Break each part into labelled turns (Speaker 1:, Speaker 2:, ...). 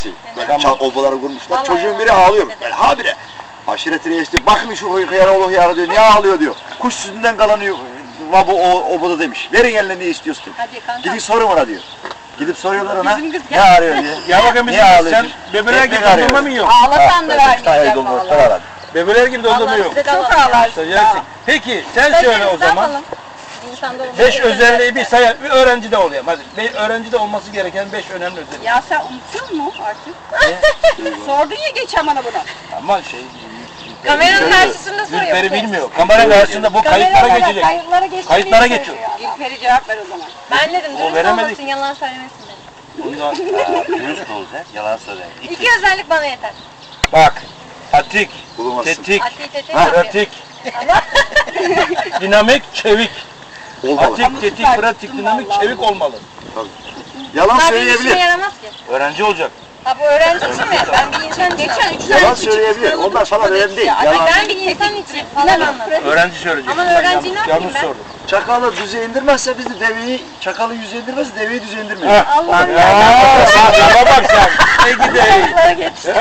Speaker 1: Böyle obaları kurmuşlar. Çocuğun biri ağlıyor. Böyle habire. Aşiret reisi diyor. Bakın şu hıyarı hıyarı diyor. Niye ağlıyor diyor. Kuş sütünden kalanıyor. Obada demiş. Verin eline ne istiyorsun. Gidin sorun ona diyor. Gidip soruyorlar ona. Ne arıyor diye.
Speaker 2: Ya bakın bizim sen bebeler gibi dondurma mı yiyorsun?
Speaker 3: Ağlasan da vermeyeceğim valla.
Speaker 2: Bebeler gibi dondurma yok.
Speaker 3: Çok ağlarsın.
Speaker 2: Peki sen söyle o zaman. 5 özelliği bir say, bir öğrencide oluyor. Hadi öğrencide olması gereken 5 önemli özellik.
Speaker 3: Ya sen unutuyor musun artık? Sordun ya geçen bana bunu.
Speaker 2: Ama
Speaker 4: Kameranın karşısında soruyor.
Speaker 2: Gülperi bilmiyor. Kamera karşısında bu kayıtlara geçecek. Kayıtlara geçiyor.
Speaker 3: Gülperi cevap ver o zaman.
Speaker 4: Ben dedim dürüst olmasın, yalan söylemesin dedim.
Speaker 2: Ondan
Speaker 1: Dürüst olacak. Yalan söyler.
Speaker 4: İki özellik bana yeter.
Speaker 2: bak. Atik,
Speaker 1: Bulamazsın.
Speaker 2: tetik,
Speaker 4: Tetik,
Speaker 2: pratik, dinamik, çevik.
Speaker 1: Olmalı.
Speaker 2: Atik, tetik, pratik, dinamik, çevik olmalı.
Speaker 1: Yalan
Speaker 4: Bunlar benim işime
Speaker 1: söyleyebilir.
Speaker 4: yaramaz ki.
Speaker 2: Öğrenci olacak.
Speaker 4: Ha bu öğrenci için mi? Ben bir insan geçen 3
Speaker 1: Yalan söyleyebilir. Onlar falan önemli değil. Yalan.
Speaker 4: Ben bir insan için falan anladım.
Speaker 2: Öğrenci söyleyecek.
Speaker 4: Ama
Speaker 2: Ben
Speaker 4: öğrenciyi ne yapayım
Speaker 2: yanlış
Speaker 4: ben?
Speaker 2: sordum.
Speaker 1: Çakalı düze indirmezse biz de deveyi, çakalı yüze indirmezse deveyi düze indirmeyiz.
Speaker 4: Allah'ım
Speaker 2: Ya bak bak sen. Ne gideyim.
Speaker 4: ya. Geçti.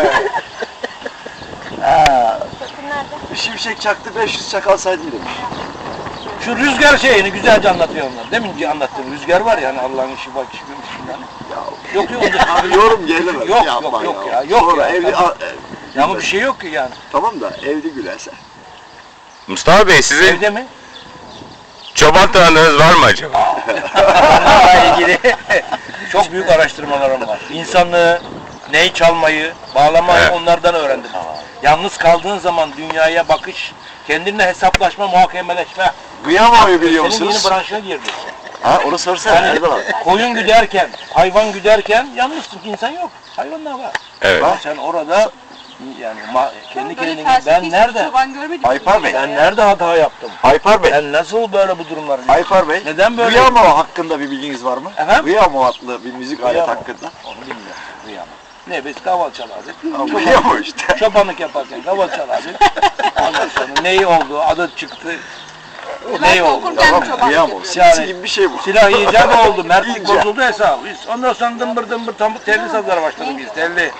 Speaker 4: Sakın nerede?
Speaker 1: Bir şimşek çaktı 500 çakal saydım demiş.
Speaker 2: Şu rüzgar şeyini güzelce anlatıyor onlar. Deminki anlattığım rüzgar var ya hani Allah'ın işi bak işi yani. Yok yok.
Speaker 1: Abi yorum gelemez.
Speaker 2: Yok,
Speaker 1: Yapma
Speaker 2: yok ya, yok
Speaker 1: Sonra
Speaker 2: ya,
Speaker 1: evli,
Speaker 2: Ya ama bir şey yok ki yani.
Speaker 1: tamam da evli gülerse.
Speaker 5: Mustafa Bey sizin
Speaker 2: Evde mi?
Speaker 5: çoban tanıdığınız var mı acaba?
Speaker 2: Onlarla ilgili çok büyük araştırmalarım var. İnsanlığı, neyi çalmayı, bağlamayı
Speaker 5: Evet.
Speaker 2: onlardan öğrendim. Yalnız kaldığın zaman dünyaya bakış, kendinle hesaplaşma, muhakemeleşme.
Speaker 1: Kıyamayı biliyor
Speaker 2: Senin yeni
Speaker 1: musunuz?
Speaker 2: branşına girdi.
Speaker 1: Ha onu sorsana.
Speaker 2: Yani
Speaker 1: Nerede var?
Speaker 2: koyun güderken, hayvan güderken yalnızsın ki insan yok. Hayvanlar var.
Speaker 5: Evet.
Speaker 2: Ama sen orada yani kendi kendine ben nerede?
Speaker 3: Çoban görmedim.
Speaker 1: Aypar Bey.
Speaker 2: Ben nerede hata yaptım?
Speaker 1: Aypar Bey.
Speaker 2: Ben nasıl böyle bu durumları?
Speaker 1: Aypar Bey.
Speaker 2: Neden böyle?
Speaker 1: Gıyamo hakkında bir bilginiz var mı?
Speaker 2: Efendim?
Speaker 1: Gıyamo adlı bir müzik aleti
Speaker 2: Gıyamo.
Speaker 1: hakkında.
Speaker 2: Onu bilmiyorum. Rüyam. Ne biz kaval çalardık.
Speaker 1: Gıyamo işte.
Speaker 2: Çobanlık yaparken kaval çalardık. Ondan sonra neyi oldu, adı çıktı. Neyi oldu?
Speaker 1: Tamam mı? Gıyamo. Sinsi
Speaker 2: Yani-
Speaker 1: gibi bir şey bu.
Speaker 2: Silah icat oldu, mertlik
Speaker 1: İyice.
Speaker 2: bozuldu hesabı. Biz ondan sonra dımbır dımbır tam telli sazlara başladık biz, telli.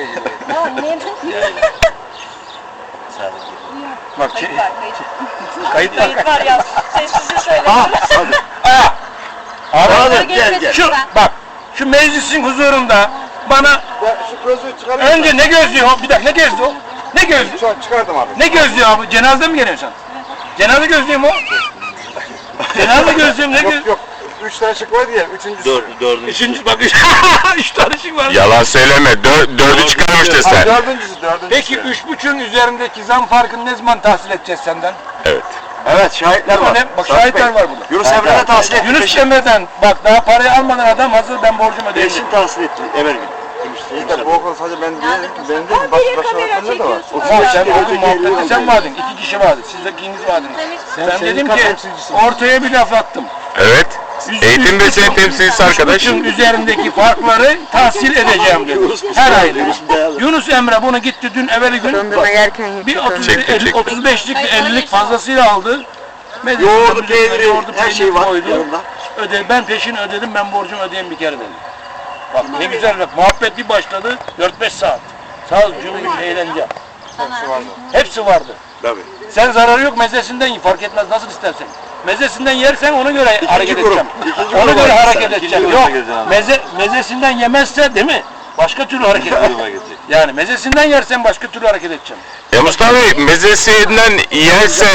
Speaker 2: Bak şey, kayıt var.
Speaker 4: Kayıt var ya. Sessizce söyle.
Speaker 1: Ha hadi.
Speaker 2: Abi,
Speaker 1: Hadi gel gel.
Speaker 2: şu bak, şu meclisin huzurunda bana
Speaker 1: Şu gözlüğü çıkarayım.
Speaker 2: önce ne gözlüyor? Bir dakika ne gözlüyor? Ne gözlüyor?
Speaker 1: Şu an çıkardım abi.
Speaker 2: Ne gözlüyor abi? Cenazede mi geliyorsun sen? Cenaze gözlüğü mü o? Cenaze gözlüğü mü? Ne gözlüğü?
Speaker 1: Yok. 3 tane şık vardı ya. Üçüncüsü.
Speaker 2: Üçüncü bak üç tane şık var.
Speaker 5: Yalan söyleme. Dördü çıkarmıştın sen.
Speaker 1: Dördüncüsü.
Speaker 2: Peki 3,5'ün üzerindeki zam farkını ne zaman tahsil edeceğiz senden?
Speaker 5: Evet.
Speaker 1: Evet şahitler var.
Speaker 2: Bak
Speaker 1: Sarp
Speaker 2: şahitler
Speaker 1: Bey.
Speaker 2: var burada.
Speaker 1: Yunus Emre'de tahsil etti.
Speaker 2: Yunus Emre'den bak daha parayı almadan adam hazır ben borcumu ödeyeyim.
Speaker 1: Peşin tahsil etti. Evvel gün.
Speaker 6: Bu okul sadece ben değilim, ben değilim, başka öğretmenler de var.
Speaker 2: Bak sen bugün muhabbette sen vardın, 2 kişi vardı, siz de ikiniz vardınız. Ben dedim ki ortaya bir laf attım.
Speaker 5: Evet. Eğitim ve sen temsilcisi arkadaş.
Speaker 2: 3,5'ün üzerindeki farkları tahsil edeceğim dedim. Her ay dedim. Yunus Emre bunu gitti dün evveli gün bir 35'lik bir 50'lik fazlasıyla aldı.
Speaker 1: Yoğurdu, peyniri, her şey var
Speaker 2: koydu.
Speaker 1: yanında.
Speaker 2: Ben peşin ödedim, ben borcumu ödeyeyim bir kere dedim. Bak ne güzel bak, muhabbet bir başladı, 4-5 saat. Sağ ol, cümle eğlence. Hepsi vardı.
Speaker 1: Tabii.
Speaker 2: Sen zararı yok, mezesinden ye, fark etmez nasıl istersen. Mezesinden yersen ona göre hareket
Speaker 1: grup,
Speaker 2: edeceğim.
Speaker 1: ikinci
Speaker 2: Ona
Speaker 1: grup
Speaker 2: göre
Speaker 1: var.
Speaker 2: hareket
Speaker 1: İkinci
Speaker 2: edeceğim.
Speaker 1: gruba
Speaker 2: Yok,
Speaker 1: gireceğim.
Speaker 2: mezesinden yemezse değil mi? Başka türlü hareket edeceğim. Yani mezesinden yersen başka türlü hareket edeceğim.
Speaker 5: Ya Mustafa Bey mezesinden yerse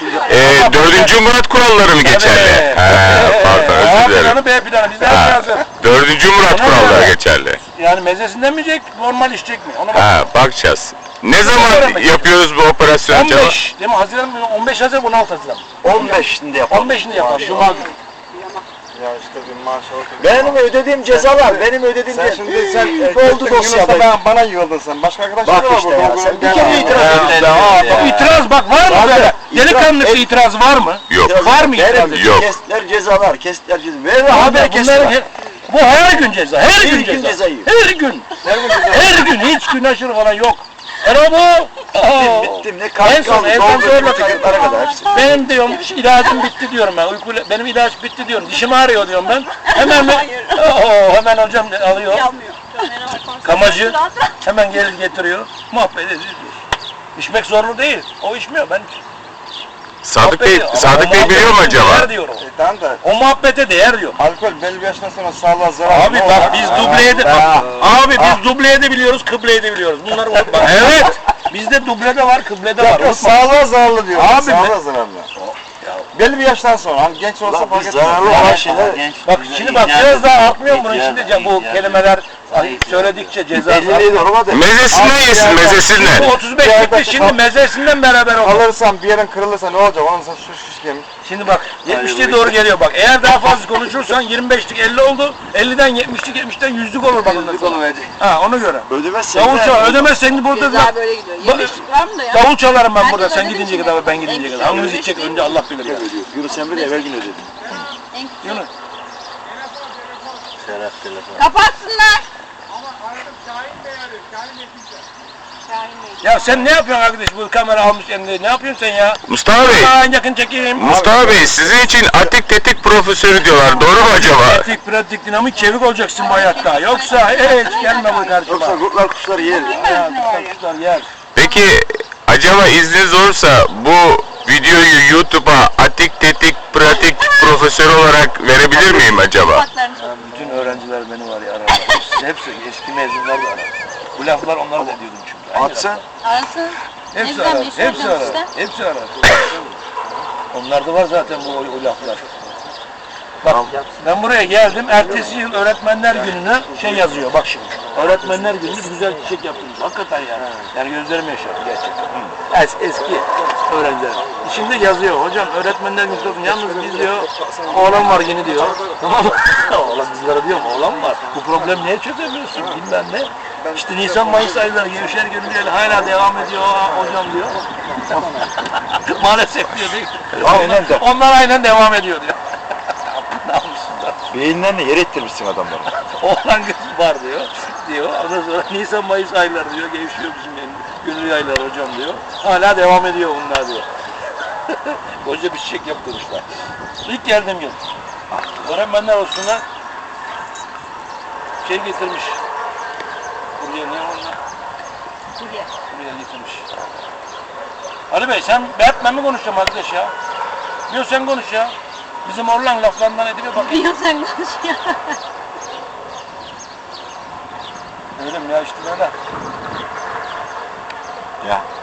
Speaker 5: 4. Murat kuralları mı geçerli? Pardon
Speaker 2: A
Speaker 5: özür dilerim.
Speaker 2: planı, B planı, bizde her şey hazır.
Speaker 5: 4. Murat kuralları geçerli.
Speaker 2: Yani mezesinden mi yiyecek, normal içecek mi? Ona bak.
Speaker 5: Bakacağız. Ne zaman yapıyoruz bu operasyonu acaba?
Speaker 2: 15, değil mi? Haziran mı? 15 Haziran, 16 Haziran.
Speaker 1: 15'inde yapalım.
Speaker 2: 15'inde yapalım, Cuma günü.
Speaker 6: Ya işte bir maaş oldu.
Speaker 1: Benim ödediğim cezalar, benim ödediğim
Speaker 6: Sen şimdi sen
Speaker 1: oldu dosyada.
Speaker 6: bana yığıldın sen. Başka arkadaşlar
Speaker 1: Bak
Speaker 6: da var
Speaker 1: işte
Speaker 6: burada.
Speaker 1: ya, sen bir kere itiraz ettin.
Speaker 2: İtiraz bak var mı böyle? Delikanlı bir itiraz var mı?
Speaker 5: Yok.
Speaker 2: Var mı itiraz?
Speaker 5: Yok.
Speaker 1: Kestiler cezalar, kestiler cezalar. Ver
Speaker 2: Abi
Speaker 1: haber kestiler.
Speaker 2: bu her gün ceza, her
Speaker 1: Bir
Speaker 2: gün
Speaker 1: gün
Speaker 2: ceza.
Speaker 1: ceza yiyor.
Speaker 2: Her gün. Her gün hiç gün aşırı falan yok. Erabo.
Speaker 1: Bittim ne
Speaker 2: En
Speaker 1: kalk
Speaker 2: son
Speaker 1: kaldı.
Speaker 2: evden zorla
Speaker 1: Doldu tıkırtlara kadar hepsi.
Speaker 2: Benim diyorum ilacım bitti diyorum ben. Benim ilaç bitti diyorum. Dişim ağrıyor diyorum ben. Hemen hocam alıyor. Kamacı hemen gelir getiriyor. Muhabbet ediyoruz. İçmek zorlu değil. O içmiyor. Ben
Speaker 5: Sadık Bey,
Speaker 2: muhabbet ediyor.
Speaker 5: Sadık
Speaker 2: Ama
Speaker 5: Bey biliyor mu
Speaker 2: muhabbete
Speaker 5: acaba?
Speaker 2: değer diyor o.
Speaker 6: Tamam da
Speaker 2: O muhabbete değer diyor.
Speaker 6: alkol belli bir yaştan sonra sağlığa zarar.
Speaker 2: Abi bak biz dubleye de abi biz dubleye de biliyoruz, kıbleye de biliyoruz. Bunları unutma. Evet. Bizde dublede var, kıblede var.
Speaker 6: Yok
Speaker 2: Unutma.
Speaker 6: sağlığa zararlı diyor.
Speaker 2: Abi
Speaker 6: Sağlığa zararlı. Belli bir yaştan sonra hani genç olsa fark etmez.
Speaker 1: zararlı olan şeyler.
Speaker 2: Bak şimdi bak biraz daha artmıyor mu bunun şimdi bu kelimeler söyledikçe ceza.
Speaker 1: 50'liği normal de.
Speaker 5: Mezesinden yesin, mezesinden.
Speaker 2: Bu 35 çıktı şimdi mezesinden beraber oldu.
Speaker 6: Alırsan bir yerin kırılırsa ne olacak? Onun sana şuş kemik.
Speaker 2: Şimdi bak 70'liğe doğru geliyor bak. Eğer daha fazla konuşursan 25'lik 50 oldu. 50'den 70'lik 70'ten 100'lük olur bak ondan sonra. Ha ona göre.
Speaker 1: Ödemezsen
Speaker 2: Davul çal. Ödemezsen burada
Speaker 3: Ceza böyle gidiyor. 25'lik var mı da ya?
Speaker 2: davul çalarım ben burada.
Speaker 3: Herkes
Speaker 2: Sen
Speaker 3: ödedi
Speaker 2: gidince
Speaker 3: mi?
Speaker 2: kadar ben gidince kadar. Hangimiz gidecek önce Allah bilir ya.
Speaker 1: Yunus Emre de evvel gün ödedi.
Speaker 2: Yunus.
Speaker 3: Kapatsınlar.
Speaker 2: Ya sen ne yapıyorsun arkadaş bu kamera almış elinde? Ne yapıyorsun sen ya?
Speaker 5: Mustafa Bey,
Speaker 2: Yakın çekeyim.
Speaker 5: Mustafa Bey sizin için atik tetik profesörü diyorlar. Doğru mu acaba?
Speaker 2: Pratik, pratik, dinamik, çevik olacaksın bu hayatta. Yoksa hiç gelme bu karşıma.
Speaker 1: Yoksa kurtlar kuşlar yer.
Speaker 2: Ya, kuşlar yer.
Speaker 5: Peki acaba izniniz olursa bu videoyu YouTube'a atik tetik pratik profesörü olarak verebilir miyim acaba?
Speaker 2: Ya, bütün öğrenciler beni var ya ararlar. Hepsi eski mezunlar da arar. Bu laflar onlara da diyordum çünkü. Aynı
Speaker 1: Atsan.
Speaker 3: Arasın.
Speaker 2: Hepsi
Speaker 3: Ezden
Speaker 2: arar,
Speaker 3: bir
Speaker 2: hepsi
Speaker 3: soracağım
Speaker 2: arar,
Speaker 3: işte.
Speaker 2: hepsi arar. Onlarda var zaten o laflar. Bak ben buraya geldim, ertesi yıl öğretmenler gününe şey yazıyor bak şimdi. Öğretmenler gününü güzel çiçek yaptınız. Hakikaten yani. Yani gözlerim yaşardı gerçekten. Eski öğrenciler. Şimdi yazıyor hocam öğretmenler günü olsun. Yalnız biz diyor oğlan var yeni diyor. Tamam mı? Oğlan bizlere diyor oğlan var. Bu problem niye çözemiyorsun bilmem ne. İşte Nisan Mayıs ayları Gevşer Gönüllüleri hala devam ediyor hocam diyor. Maalesef diyor değil.
Speaker 1: Aynen de.
Speaker 2: Onlar aynen devam ediyor diyor. Namussuzlar.
Speaker 1: Beyinlerini yer ettirmişsin adamları.
Speaker 2: Oğlan kız var diyor. Ondan sonra Nisan Mayıs ayları diyor. Gevşiyor bizim yani. Gönüllü aylar hocam diyor. Hala devam ediyor bunlar diyor. Koca bir çiçek yaptırmışlar. İlk geldiğim yıl. Öğretmenler olsunlar. Şey getirmiş. Buraya ne onlar? Buraya getirmiş. Ali Bey sen Batman mi konuşacağım arkadaş ya? Yok sen konuş ya. Bizim Orlan laflarından edip bakayım.
Speaker 3: Yok sen konuş ya.
Speaker 2: Öyle mi ya işte böyle.
Speaker 1: Ya.